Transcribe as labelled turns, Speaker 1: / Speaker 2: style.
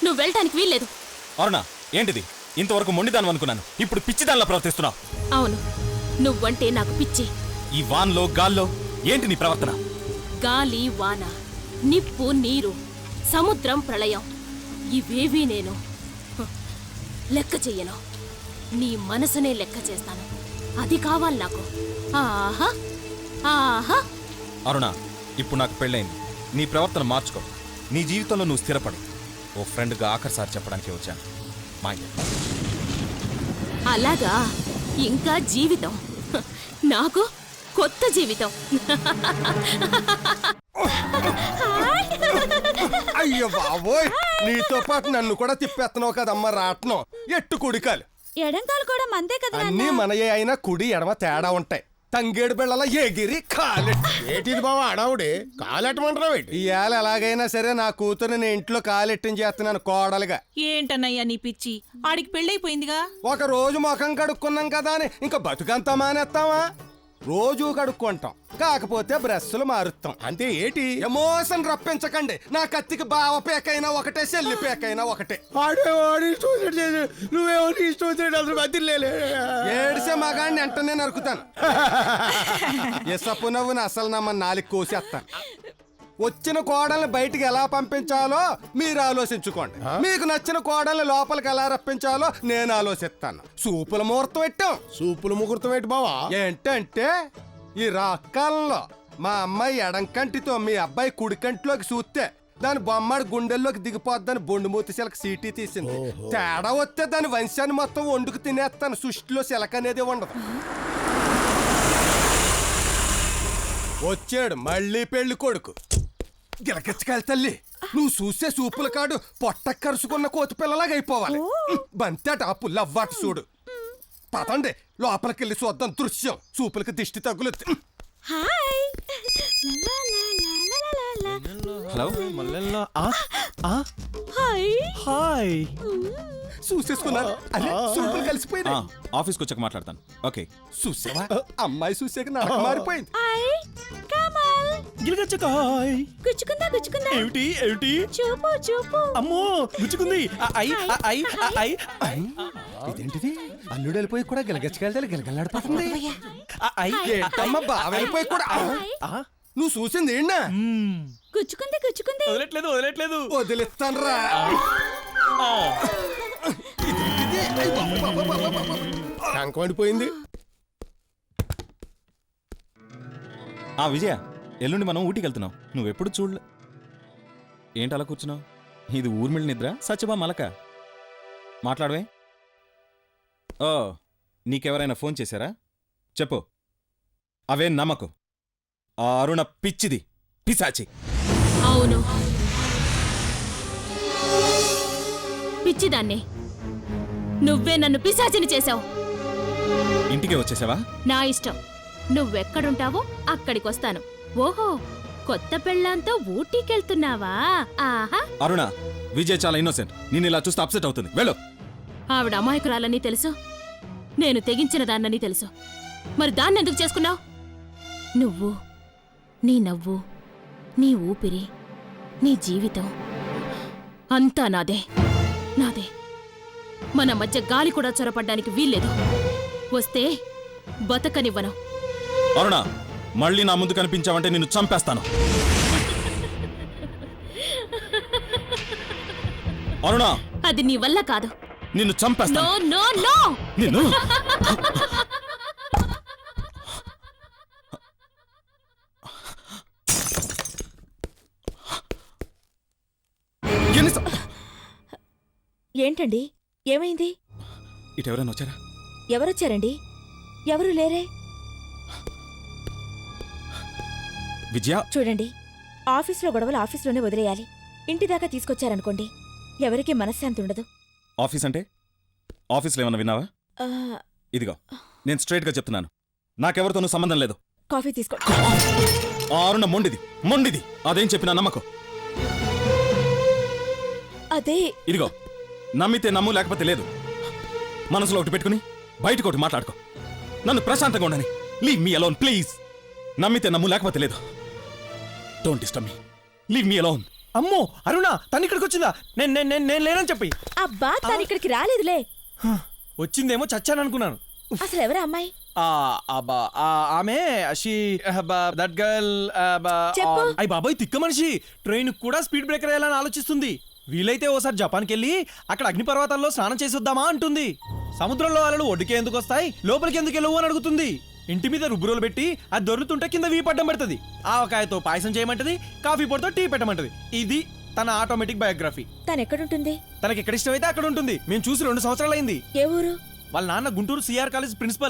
Speaker 1: నువ్వు వెళ్ళటానికి వీల్లేదు.
Speaker 2: అరుణ, ఏంటిది? ఇంతవరకు మొండిదానం అనుకున్నాను, ఇప్పుడు పిచ్చిదానిలా ప్రవర్తిస్తున్నావు.
Speaker 1: అవును, నువ్వంటే నాకు పిచ్చి.
Speaker 2: ఈ వాన్లో గాల్లో ఏంటి నీ ప్రవర్తన?
Speaker 1: గాలి, వాన, నిప్పు, నీరు, సముద్రం, ప్రళయం ఇవేవీ నేను లెక్క చెయ్యను. నీ మనసునే లెక్క చేస్తాను. అది కావాలి నాకు. ఆహా ఆహా.
Speaker 2: అరుణ, ఇప్పుడు నాకు పెళ్ళైంది. నీ ప్రవర్తన మార్చుకో. నీ జీవితంలో నువ్వు స్థిరపడు. ఓ ఫ్రెండ్గా ఆఖరిసారి చెప్పడానికి వచ్చాను. మాయ.
Speaker 1: అలాగా? ఇంకా జీవితం? నాకు కొత్త జీవితం.
Speaker 3: అయ్యో బాబోయ్, నీతో పాటు నన్ను కూడా తిప్పేస్తున్నావు కదమ్మా రాట్నం. ఎట్టు కుడికాలు
Speaker 1: ఎడంకాలు కూడా మందే కదా.
Speaker 3: అన్నీ మనయే అయినా కుడి ఎడమ తేడా ఉంటాయి. తంగేడు బిళ్ళల ఎగిరి కాలెట్టు.
Speaker 4: ఏటిది బావా అడావుడి? కాలెట్టమంటున్నావు ఏంటి?
Speaker 3: ఇవాళ ఎలాగైనా సరే నా కూతురు నేను ఇంట్లో కాలెట్టించి చేస్తున్నాను కోడలుగా.
Speaker 5: ఏంటన్నయ్యా నీ పిచ్చి? ఆడికి పెళ్ళైపోయిందిగా.
Speaker 3: ఒక రోజు ముఖం కడుక్కున్నాం కదా అని ఇంకా బతుకంతా మానేస్తావా? రోజు కడుక్కుంటాం, కాకపోతే బ్రష్లు మారుస్తాం
Speaker 4: అంతే. ఏటి
Speaker 3: ఎమోషన్ రప్పించకండి. నా కత్తికి బావ పేకైనా ఒకటే, చెల్లి పేకైనా ఒకటే.
Speaker 4: నువ్వేమో అసలు బతిలేలే.
Speaker 3: ఏడిసే మగాడిని వెంటనే నరుకుతాను. ఎసపు నవ్వుని అసలు నమ్మని నాలుగు కోసేస్తాను. వచ్చిన కోడల్ని బయటికి ఎలా పంపించాలో మీరు ఆలోచించుకోండి. మీకు నచ్చిన కోడల్ని లోపలికి ఎలా రప్పించాలో నేను ఆలోచిస్తాను. సూపుల ముహూర్తం పెట్టాం.
Speaker 4: సూపులు ముహూర్తం ఏంటి బావా?
Speaker 3: ఏంటంటే ఈ రాకాలంలో మా అమ్మాయి ఎడంకంటితో మీ అబ్బాయి కుడికంటిలోకి చూస్తే దాని బొమ్మడి గుండెల్లోకి దిగిపోద్దని బొండుమూతి శిలక సీటీ తీసింది. తేడా వస్తే దాని వంశాన్ని మొత్తం వండుకు తినేస్తాను. సృష్టిలో శిలక అనేది ఉండదు. వచ్చాడు మళ్ళీ పెళ్లి కొడుకు. గిలకెచ్చకాలి తల్లి, నువ్వు చూసే సూపుల కాడు పొట్ట కరుసుకున్న కోతి పిల్లలాగా అయిపోవాలి. బంతేట ఆ పుల్లవ్వాటు చూడు. పదండి లోపలికెళ్ళి చూద్దాం దృశ్యం. సూపులకి దిష్టి తగ్గులు.
Speaker 2: హలో.
Speaker 3: చూసేసుకున్నారు. అరే సూపులు కలిసిపోయినా.
Speaker 2: ఆఫీస్కి వచ్చాక మాట్లాడతాను. ఓకే.
Speaker 3: చూసావా, అమ్మాయి చూసాక నాకు మారిపోయింది.
Speaker 1: గుచ్చుకుందా గుచ్చుకుందా?
Speaker 2: ఏమిటి ఏమిటి?
Speaker 1: చూపు చూపు.
Speaker 2: అమ్మో, గుచ్చుకుంది.
Speaker 3: ఇదేంటిది? అల్లుడు వెళ్ళిపోయి కూడా గిలగచ్చకెళ్తే గిలగలాడిపోతుంది. ఏంటమ్మా బావ వెళ్ళిపోయి కూడా? నువ్వు చూసింది ఏంటా?
Speaker 1: గుచ్చుకుంది గుచ్చుకుంది.
Speaker 2: వదలట్లేదు వదలట్లేదు.
Speaker 3: వదిలిస్తాను రా.
Speaker 4: కంకమండిపోయింది.
Speaker 2: విజయ, ఎల్లుండి మనం ఊటీకి వెళ్తున్నాం. నువ్వెప్పుడు చూడలే. ఏంటి అలా కూర్చున్నావు? ఇది ఊర్మిళ నిద్ర, సత్యభా మలక. మాట్లాడవే. ఓ, నీకెవరైనా ఫోన్ చేశారా? చెప్పు. అవే నమ్మకు. ఆ అరుణ పిచ్చిది, పిశాచి.
Speaker 1: అవును, పిచ్చిదాన్ని. నువ్వే నన్ను పిశాచిని చేశావు.
Speaker 2: ఇంటికే వచ్చేసావా?
Speaker 1: నా ఇష్టం. నువ్వెక్కడుంటావో అక్కడికొస్తాను. ఓహో, కొత్త పెళ్ళాంతో ఊటీకెళ్తున్నావా? ఆహా.
Speaker 2: అరుణ, విజయ్ చాలా ఇన్నోసెంట్. నేను ఇలా చూస్తే అప్సెట్ అవుతుంది. వెళ్ళు.
Speaker 1: ఆవిడ అమాయకురాలని తెలుసు, నేను తెగించిన దాన్నని తెలుసు. మరి దాన్నెందుకు చేసుకున్నావు? నువ్వు, నీ నవ్వు, నీ ఊపిరి, నీ జీవితం అంతా నాదే నాదే. మన మధ్య గాలి కూడా చొరపడ్డానికి వీల్లేదు. వస్తే బతకనివ్వను.
Speaker 2: అరుణ, మళ్ళీ నా ముందు కనిపించావంటే నిన్ను చంపేస్తాను. అరుణ,
Speaker 1: అది నీ వల్ల కాదు.
Speaker 2: నిన్ను చంపేస్తాను.
Speaker 1: No no no.
Speaker 2: నిన్ను
Speaker 6: ఏంటండి, ఏమైంది?
Speaker 2: ఇటెవరైనా వచ్చారా?
Speaker 6: ఎవరొచ్చారండి? ఎవరు లేరే.
Speaker 2: విజయ,
Speaker 6: చూడండి, ఆఫీస్లో గొడవలు ఆఫీస్లోనే వదిలేయాలి. ఇంటిదాకా తీసుకొచ్చారనుకోండి, ఎవరికీ మనశ్శాంతి ఉండదు.
Speaker 2: ఆఫీస్ అంటే ఆఫీస్లో ఏమన్నా విన్నావా? ఇదిగో, నేను స్ట్రైట్గా చెప్తున్నాను, నాకెవరితోనూ సంబంధం లేదు.
Speaker 6: కాఫీ తీసుకో.
Speaker 2: ఆ అరుణ మొండిది మొండిది. అదేం చెప్పినా నమ్మకం.
Speaker 6: అదే
Speaker 2: ఇదిగో, నమ్మితే నమ్ము, లేకపోతే లేదు. మనసులో ఒకటి పెట్టుకుని బయటకు ఒకటి మాట్లాడుకో. నన్ను ప్రశాంతంగా ఉండని. Leave me alone please. నమ్మితే నమ్ము, లేకపోతే లేదు. Don't disturb me. Leave me alone.
Speaker 7: అమ్మో అరుణ తను ఇక్కడికి వచ్చిందా? నేను లేనని చెప్పి.
Speaker 6: అబ్బా తను ఇక్కడికి రాలేదులే.
Speaker 7: వచ్చిందేమో చచ్చాను అనుకున్నాను.
Speaker 6: అసలు ఎవరా అమ్మాయి?
Speaker 7: ఆమె దట్ గర్ల్.
Speaker 6: చెప్పు.
Speaker 7: అయ్యి బాబాయ్ తిక్క మనిషి ట్రైన్ కూడా స్పీడ్ బ్రేకర్ వేయాలని ఆలోచిస్తుంది. వీలైతే ఓసారి జపాన్కి వెళ్ళి అక్కడ అగ్నిపర్వతాల్లో స్నానం చేసి వద్దామా అంటుంది. సముద్రంలో అలలు ఒడ్డుకే ఎందుకు వస్తాయి, లోపలికి ఎందుకు వెళ్ళవు అని అడుగుతుంది. ఇంటి మీద రుబ్బురోలు పెట్టి అది దొరుకుతుంటే కింద వీపడ్డం పెడుతుంది. ఆవకాయతో పాయసం చేయమంటది, కాఫీ పొడితో టీ పెట్టమంటది. ఇది తన ఆటోమేటిక్ బయోగ్రఫీ.
Speaker 6: తను ఎక్కడుంటుంది?
Speaker 7: తనకి ఎక్కడ ఇష్టమైతే అక్కడ ఉంటుంది. మేము చూసి 2 సంవత్సరాలు అయింది.
Speaker 6: ఏ ఊరు?
Speaker 7: వాళ్ళ నాన్న గుంటూరు సిఆర్ కాలేజ్ ప్రిన్సిపల్.